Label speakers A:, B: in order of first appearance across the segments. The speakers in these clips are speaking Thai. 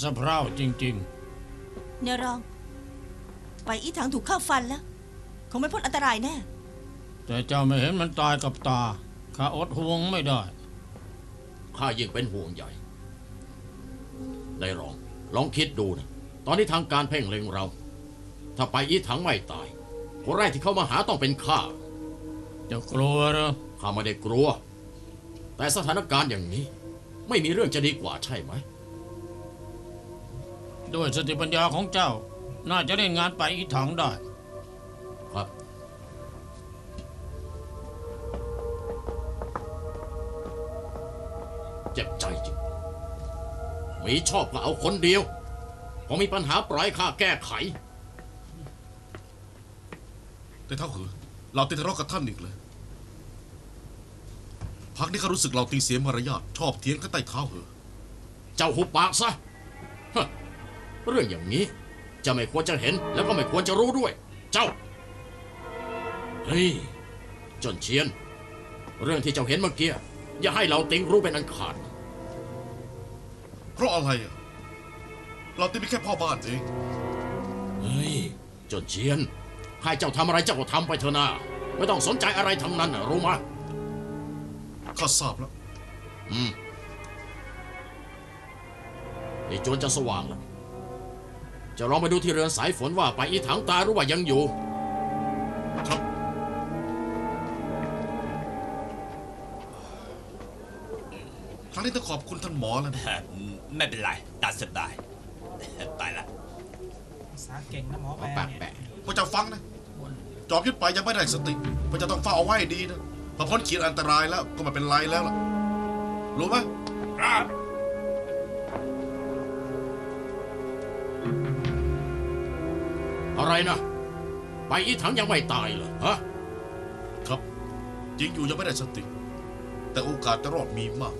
A: สะเพร่าจริง
B: เนี่ยรอง ไปอีถังถูกข้าฟันแล้วคงไม่พ้นอันตรายแน่
A: ๆแต่เจ้าไม่เห็นมันตายกับตาข้าอดห่วงไม่ได้
C: ข้ายิ่งเป็นห่วงใหญ่ได้ลองคิดดูนะตอนนี้ทางการเพ่งเล็งเรา ถ้าไปอีถังไม่ตายคนแรกที่เข้ามาหาต้องเป็นข้า
A: เจ้ากลัวเหรอ
C: ข้าไม่ได้กลัวแต่สถานการณ์อย่างนี้ไม่มีเรื่องจะดีกว่าใช่ไหม
A: ด้วยสติปัญญาของเจ้า น่าจะเล่นงานไปอีถังได้
C: ครับเจ็บใจจริงมีชอบก็เอาคนเดียวพอมีปัญหาปล่อยข้าแก้ไข
D: แต่เท่าเหอะเราติดทะเลาะกับท่านอีกเลยพักนี้ข้ารู้สึกเราตีเสียมารยาทชอบเถียงกันใต้เท้าเหอะ
C: เจ้าหุบปากซะฮะเรื่องอย่างนี้จะไม่ควรจะเห็นแล้วก็ไม่ควรจะรู้ด้วย เจ้าเฮ้ยจนเชียนเรื่องที่เจ้าเห็นเมื่อกี้อย่าให้เราติงรู้เป็นอันขาด
D: เพราะอะไรอ่ะเราตีเป็นแค่พ่อบ้านเอง
C: เฮ้ยจนเชียนให้เจ้าทำอะไรเจ้าก็ทำไปเถอะนะไม่ต้องสนใจอะไรทั้งนั้นนะรู้ไหม
D: ข้าทราบแล้ว
C: ไอ้โจรจะสว่างแล้วจะลองไปดูที่เรือนสายฝนว่าไปอีถังตาหรือว่ายังอยู่
D: ครับครั้งนี้ต้องขอบคุณท่านหมอแล้วนะ
E: ไม่เป็นไรตัดสบายไปละ
F: ภาษาเก่งนะหมอแปลเนี่ย
C: แปะ
D: พระเจ้าฟังนะจอมยุทธไปยังไม่ได้สติพระเจ้าต้องเฝ้าเอาไว้ให้ดีนะพอพ้นขีดอันตรายแล้วก็ไม่เป็นไรแล้วล่ะรู้ไหม
E: ครับ
C: อะไรนะไปอีถังยังไม่ตายเหรอฮะ
D: ครับจริงอยู่ยังไม่ได้สติ แต่โอกาสจะรอดมีมาก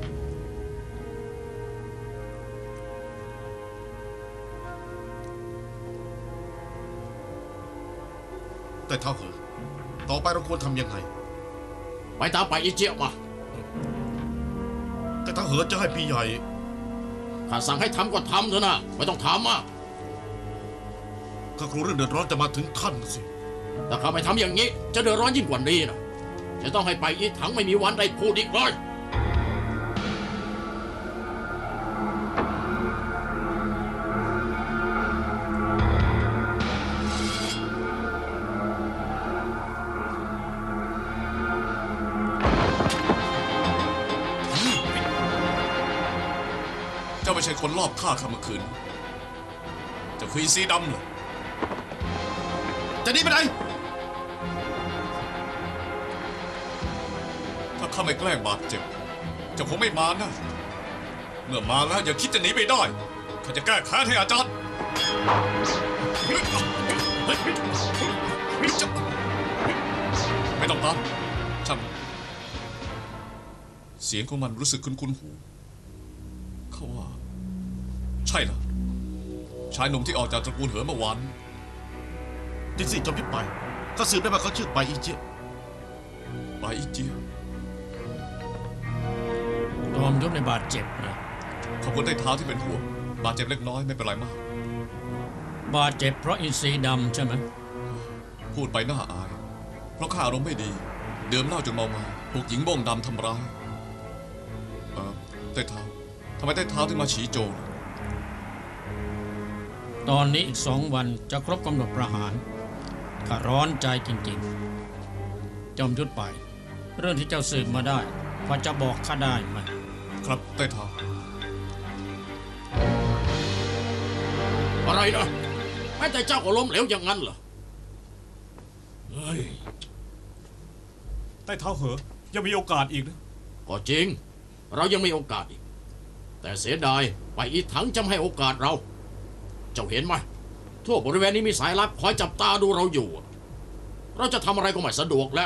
D: แต่เท่าเหอะต่อไปเราควรทำยังไง
C: ไปตามไปอีเจียมา
D: แต่ถ้าเหอะจะให้พี่ใหญ่
C: ข้าสั่งให้ทำก็ทำเถอะนะไม่ต้องถามมาก
D: ข้ากลัวเรื่องเดือดร้อนจะมาถึงท่านสิ
C: ถ้าข้าไม่ทำอย่างนี้จะเดือดร้อนยิ่งกว่านี้นะจะต้องให้ไปอีถังไม่มีวันได้พูดอีกเลย
D: เจ้าไม่ใช่คนรอบฆ่าข้าเมื่อคืนเจ้าคืออีซีดำเหรอจะหนีไปไหนถ้าข้าไม่แกล้งบาดเจ็บเจ้าคงไม่มานะเมื่อมาแล้วอย่าคิดจะหนีไปได้ข้าจะแก้แค้นให้อาจารย์ไม่ต้องตามช่างเสียงของมันรู้สึกคุ้นๆหูเขาว่าใช่ละชายหนุ่มที่ออกจากตระกูลเหอเมื่อวานจริงสิจอมยุทธไปก็สืบได้ว่าเขาชื่อไปอีเจียไปอีเจีย
A: จอมยุทธในบาดเจ็บนะ
D: ขอบคุณได้เท้าที่เป็นห่วงบาดเจ็บเล็กน้อยไม่เป็นไรมาก
A: บาดเจ็บเพราะอินทรีย์ดำใช่ไหม
D: พูดไปน่าอาย เพราะข้าอารมณ์ไม่ดีดื่มเหล้าจนเมามาถูกหญิงโบ้งดำทำร้ายได้เท้าทำไมได้เท้าถึงมาฉีโจร
A: ตอนนี้อีก2 วันจะครบกำหนดประหารข้าร้อนใจจริงๆ จอมยุทธไป เรื่องที่เจ้าสืบมาได้พอจะบอกข้าได้ไหม
D: ครับได้เท้า
C: อะไรนะแม้แต่เจ้าก็ล้มเหลวอย่างนั้นเหรอเฮ้ย
F: ใต้เท้าเหอะยังมีโอกาสอีกนะ
C: ก็จริงเรายังมีโอกาสอีกแต่เสียดายไปอีถังจะไม่ให้โอกาสเราเจ้าเห็นไหมทั่วบริเวณนี้มีสายลับคอยจับตาดูเราอยู่เราจะทำอะไรก็ไม่สะดวกแล้ว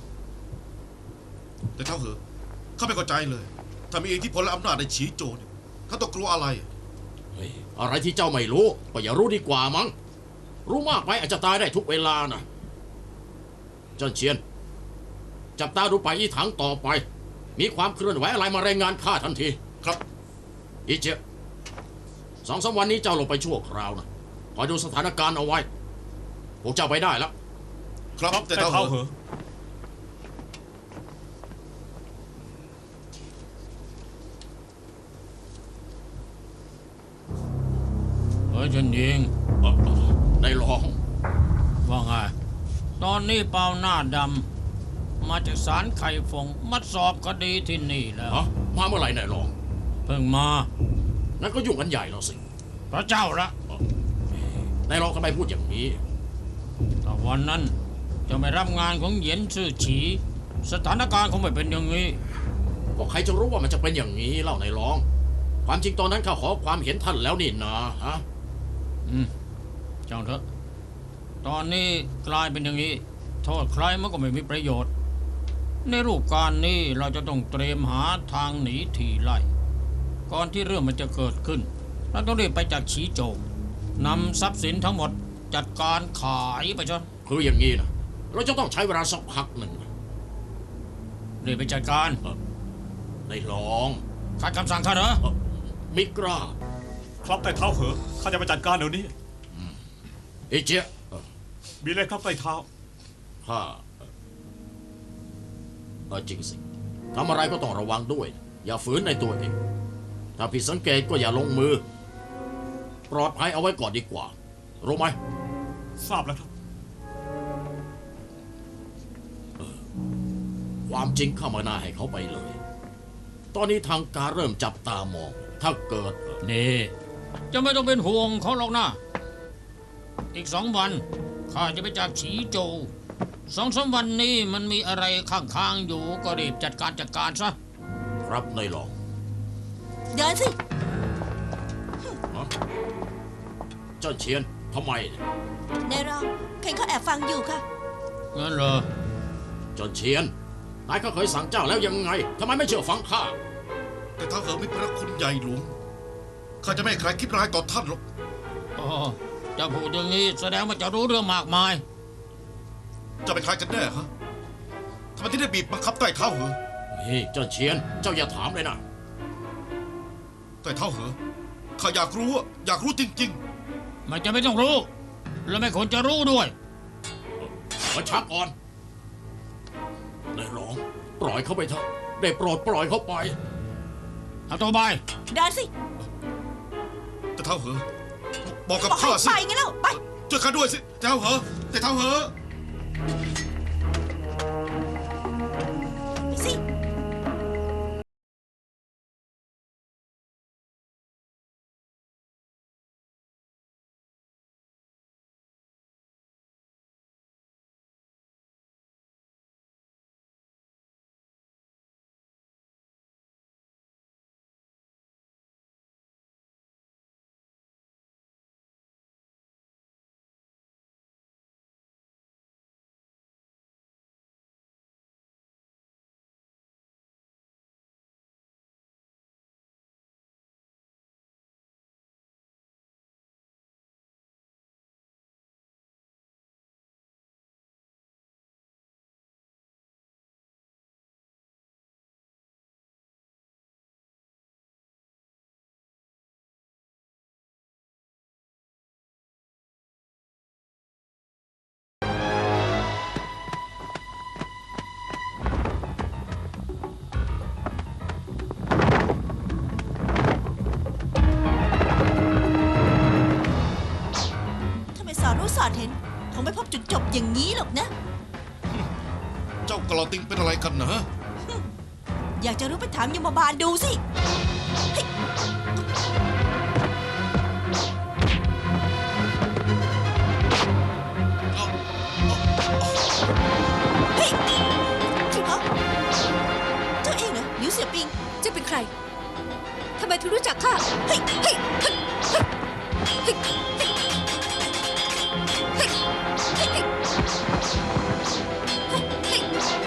D: แต่เท้าเหอะข้าไม่เข้าใจเลยถ้ามีอิทธิพลและอำนาจในฉีโจรเนี่ยเขาต้องกลัวอะไร
C: เฮ้ยอะไรที่เจ้าไม่รู้ก็อย่ารู้ดีกว่ามั้งรู้มากไปอาจจะตายได้ทุกเวลานะเจ้าเชียนจับตาดูไปอีถังต่อไปมีความเคลื่อนไหวอะไรมารายงานข้าทันที
D: ครับ
C: อีเจ 2-3 วันนี้เจ้าลงไปชั่วคราวนะคอยดูสถานการณ์เอาไว้พวกเจ้าไปได้แล้ว
D: ครับ
F: ครับ
D: แต่
F: แต่
D: เท้า
F: เท้า
D: เห
F: เห
D: อะ
F: อะ
A: เฮ้ยเฉินยิง
C: ในหลอง
A: ว่าไง ตอนนี้เปาหน้าดำมาจากศาลไข่ฟงมาสอบคดีที่นี่แล้ว
C: ฮะมาเมื่อไหร่ในหลอง
A: เพิ่งมา
C: นั่นก็ยุ่งกันใหญ่แล้วสิ
A: พระเจ้าละ
C: ในหลองทำไมพูดอย่างนี้
A: แต่วันนั้นจะไม่รับงานของเหยียนซื่อฉี สถานการณ์คงไม่เป็นอย่างนี้
C: ก็ใครจะรู้ว่ามันจะเป็นอย่างนี้เล่าในหลอง ความจริงตอนนั้นข้าขอความเห็นท่านแล้วนี่นะฮะ
A: ช่างเถอะ ตอนนี้กลายเป็นอย่างนี้ โทษใครมันก็ไม่มีประโยชน์ ในรูปการนี้เราจะต้องเตรียมหาทางหนีทีไล่ ก่อนที่เรื่องมันจะเกิดขึ้น เราต้องรีบไปจากฉีโจวนำทรัพย์สินทั้งหมดจัดการขายไปจน
C: คืออย่างนี้นะเราจะต้องใช้เวลาสักพักหนึ่ง
A: รีบไปจัดการ
C: ในหลอง
A: ขัดคำสั่งข้าเหรอ
C: มิกรา
F: ครับแต่เท้าเหอะข้าจะไปจัดการเดี๋ยวนี้
C: เอเจีย
F: มีอะไรครับแต่เท้า
C: ข้าจริงสิทำอะไรก็ต้องระวังด้วย อย่าฝืนในตัวเอง ถ้าผิดสังเกตก็อย่าลงมือ ปลอดภัยเอาไว้ก่อนดีกว่า รู้ไหม
F: ทราบแล้วครับ
C: ความจริงเข้ามาหน้าให้เขาไปเลย ตอนนี้ทางการเริ่มจับตามอง ถ้าเกิด
A: นี่จะไม่ต้องเป็นห่วงเขาหรอกนะ อีก2 วันข้าจะไปจากฉีโจว2-3 วันนี้มันมีอะไรข้างๆอยู่ก็รีบจัดการซะ
C: ครับในหลอง
B: เดินสิ
C: ฮะเจ้าเชียนทำไมเนี่ย
B: นายรองเคนเขาแอบฟังอยู่ค่ะ
A: งั้นเหรอ
C: เจ้าเชียนนายก็เคยสั่งเจ้าแล้วยังไงทำไมไม่เชื่อฟังข้า
D: แต่เท้าเหอะมีพระคุณใหญ่หลวงข้าจะไม่ให้ใครคิดร้ายต่อท่านหรอก
A: อ๋อจะพูดอย่างนี้แสดงว่าจะรู้เรื่องมากมาย
D: จะเป็นใครกันแน่ฮะทำไมที่ได้บีบบังคับใต้เท้าเหอะ
C: นี่เจ้าเชียนเจ้าอย่าถามเลยนะ
D: ใต้เท้าเหอะข้าอยากรู้อะอยากรู้จริง
A: มันจะไม่ต้องรู้ และไม่ควรจะรู้ด้วย
C: มาชักก่อนในหลองปล่อยเขาไปเถอะได้โปรดปล่อยเขาไป
A: เอาตัวไป
B: เดินสิ
D: ๆแต่เท้าเหอะบอกกับ
B: บอกให้
D: ข้าสิ
B: ไปไงแล้วไป
D: ช่วยข้าด้วยสิแต่เท้าเหอะแต่เท้าเหอะ
B: ไปสิ ถ้าไม่สอนรู้สอนเห็นคงไม่พบจุดจบอย่างนี้หรอกนะ
D: เจ้ากลอติงเป็นอะไรกันนะ
B: อยากจะรู้ไปถามยมบาลดูสิเฮ้ยเฮ้ยจริงเหรอเจ้าเองเหรอหลิวเสี่ยปิง
G: เจ้าเป็นใคร ทำไมถึงรู้จักข้า
B: เฮ้ยเฮ้ยเฮ้ยเฮ้ยเฮ้ยเฮ้ยเฮ้ยเฮ้ยเฮ้ยเฮ้ย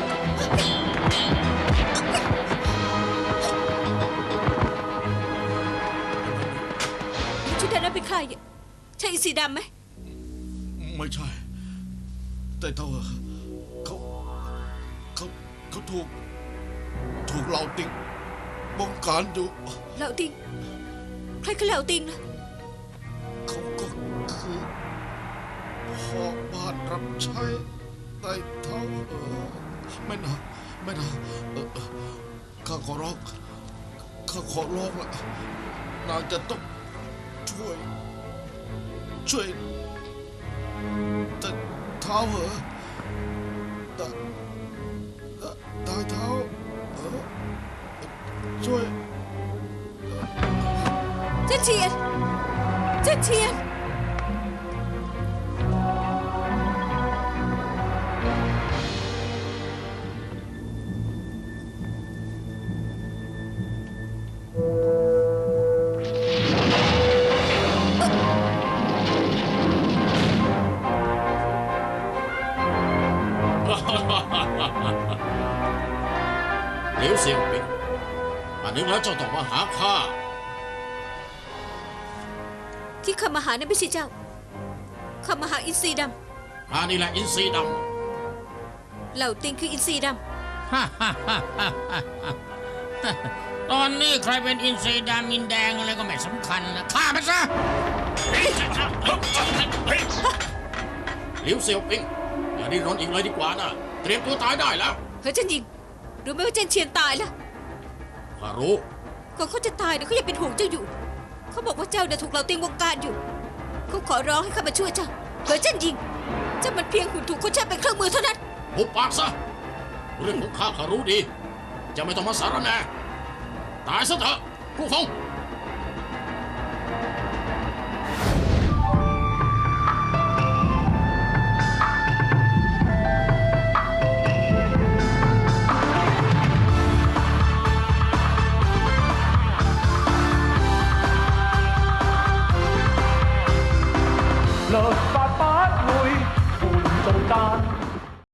G: ชุดนั้นเป็นใครเนี่ยใช่อีสีดำไหม
D: ไม่ใช่ แต่เท้าเหอะเขาเขาถูกเราติงบงการอยู่
G: เหล่าติง ใครคือเหล่าติงนะ
D: ขอบาทรับใช้ใต้เท้าไม่นะไม่นะข้าขอร้องข้าขอร้องละนางจะต้องช่วยแต่เท้าเหรอตายเท้าช่วย
G: เจ้าเทียนเจ้าเทียน
C: เหลวเสียงปิงอันนึงแล้วเจ้าต้องมาหาข้า
G: ที่ข้ามาหานั้นไม่ใช่เจ้าข้ามาหาอินทรีด
C: ข้านี่แหละอินทรีด
G: ำเหล่าติงคืออินทรีด
A: ตอนนี้ใครเป็นอินทรีดามินแดงอะไรก็ไม่สำคัญนะฆ่ามันซะ
C: ำเหลวเสียวปิงอย่าดิ้นรนอีกเลยดีกว่านะเตรียมตัวตายได้แล้ว
G: ำเฮ้ยเจันยิงรู้ไหมว่าเจนเชียนตายแล้ว
C: ข้ารู้
G: ก่อนเขาจะตายเนี่ยเขายังเป็นห่วงเจ้าอยู่ เขาบอกว่าเจ้าเนี่ยถูกเหล่าติงวงการอยู่ เขาขอร้องให้ข้ามาช่วยเจ้าเฮ้ยเจันยิงเจ้ามันเพียงหุ่นถูกคนใช้เป็นเครื่องมือเท่านั้น
C: หุบปากซะเรื่องของข้ารู้ดีจะไม่ต้องมาสารแหน่ตายซะเถอะผู้ฟง